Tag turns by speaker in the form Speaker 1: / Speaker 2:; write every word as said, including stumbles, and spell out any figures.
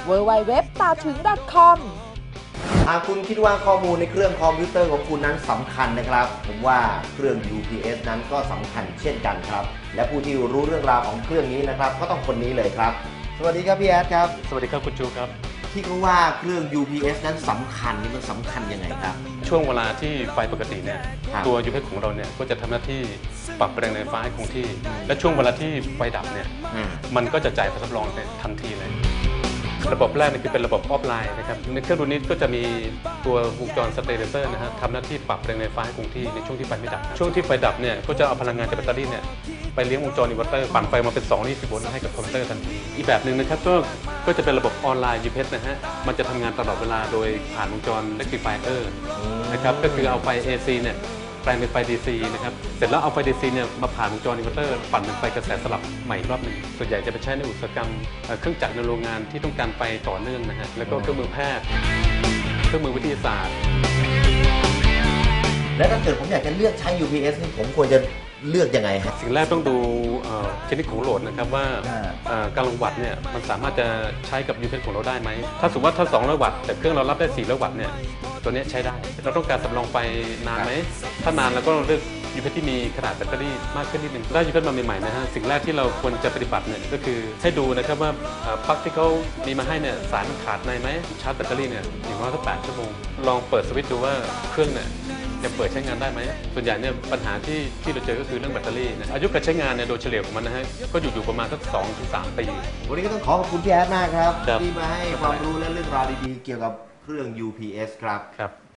Speaker 1: ดับเบิลยู ดับเบิลยู ดับเบิลยู ดอท ตาถึง ดอท คอม
Speaker 2: หากคุณคิดว่าข้อมูลในเครื่องคอมพิวเตอร์ของคุณนั้นสำคัญนะครับ ผมว่าเครื่อง ยู พี เอส นั้นก็สำคัญเช่นกันครับและผู้ที่รู้เรื่องราวของเครื่องนี้นะครับก็ต้องคนนี้เลยครับสวัสดีครับพี่แอดครับ
Speaker 3: สวัสดีครับคุณจูครับ
Speaker 2: ที่เขาว่าเครื่อง ยู พี เอส นั้นสำคัญนี่มันสำคัญยังไงครับ
Speaker 3: ช่วงเวลาที่ไฟปกติเนี่ยตัว ยู พี เอส ของเราเนี่ยก็จะทำหน้าที่ปรับแรงไฟฟ้าให้คงที่และช่วงเวลาที่ไฟดับเนี่ยมันก็จะจ่ายไฟสำรองทันทีเลยระบบแรกนี่คือเป็นระบบออฟไลน์นะครับในเครื่องรุ่นนี้ก็จะมีตัววงจรสเตเลเซอร์นะฮะทำหน้าที่ปรับแรงไฟฟ้าให้คงที่ในช่วงที่ไฟไม่ดับช่วงที่ไฟดับเนี่ยก็จะเอาพลังงานจากแบตเตอรี่เนี่ยไปเลี้ยงวงจรอินเวอร์เตอร์ปั่นไฟมาเป็นสองร้อยยี่สิบโวลต์ให้กับคอมพิวเตอร์ทันทีอีกแบบหนึ่งนะครับก็ก็จะเป็นระบบออนไลน์ ยู พี เอส นะฮะมันจะทำงานตลอดเวลาโดยผ่านวงจร rectifier นะครับก็คือเอาไฟ เอ ซี เนี่ยแปลงเป็นไฟ ดี ซี นะครับเสร็จแล้วเอาไฟ ดี ซี เนี่ยมาผ่านวงจรอินเวอร์เตอร์ปั่นเป็นไฟกระแสสลับใหม่รอบหนึ่งส่วนใหญ่จะไปใช้ในอุตสาหกรรมเครื่องจักรในโรงงานที่ต้องการไฟต่อเนื่องนะฮะแล้วก็เครื่องมือแพทย์เครื่องมือวิทยาศาสตร์
Speaker 2: และถ้าเกิดผมอยากจะเลือกใช้ ยู พี เอส นี่ผมควรจะเลือกยังไงครับ
Speaker 3: สิ่งแรกต้องดูชนิดของโหลดนะครับว่ากำลังวัตต์เนี่ยมันสามารถจะใช้กับ ยู พี เอส ของเราได้ไหมถ้าสมมติว่าถ้าสองร้อยวัตต์แต่เครื่องเรารับได้สี่ร้อยวัตต์เนี่ยตัวนี้ใช้ได้เราต้องการสำรองไฟนานไหมถ้านานเราก็เลือก ยู พี เอส ที่มีขนาดแบตเตอรี่มากขึ้นนิดนึงได้ ยู พี เอส มาใหม่ๆนะฮะสิ่งแรกที่เราควรจะปฏิบัติเนี่ยก็คือให้ดูนะครับว่าปลั๊กที่เขามีมาให้เนี่ยสายมันขาดในไหมชาร์จแบตเตอรี่เนี่ยอย่างน้อยสักแปดชั่วโมงลองเปิดสวิตช์ดูว่าเครื่องเนี่ยจะเปิดใช้งานได้ไหมส่วนใหญ่เนี่ยปัญหาที่ที่เราเจอก็คือเรื่องแบตเตอรี่นะอายุการใช้งานเนี่ยโดยเฉลี่ยของมันนะฮะก็อยู่อยู่ประมาณสักสองถึงสามปี
Speaker 2: วันนี้ก็ต้องขอขอบคุณพี่แอดมากครับที่มาให้ความรู้และเรื่องราวดีๆเกี่ยวกับเครื่อง ยู พี เอส ครับ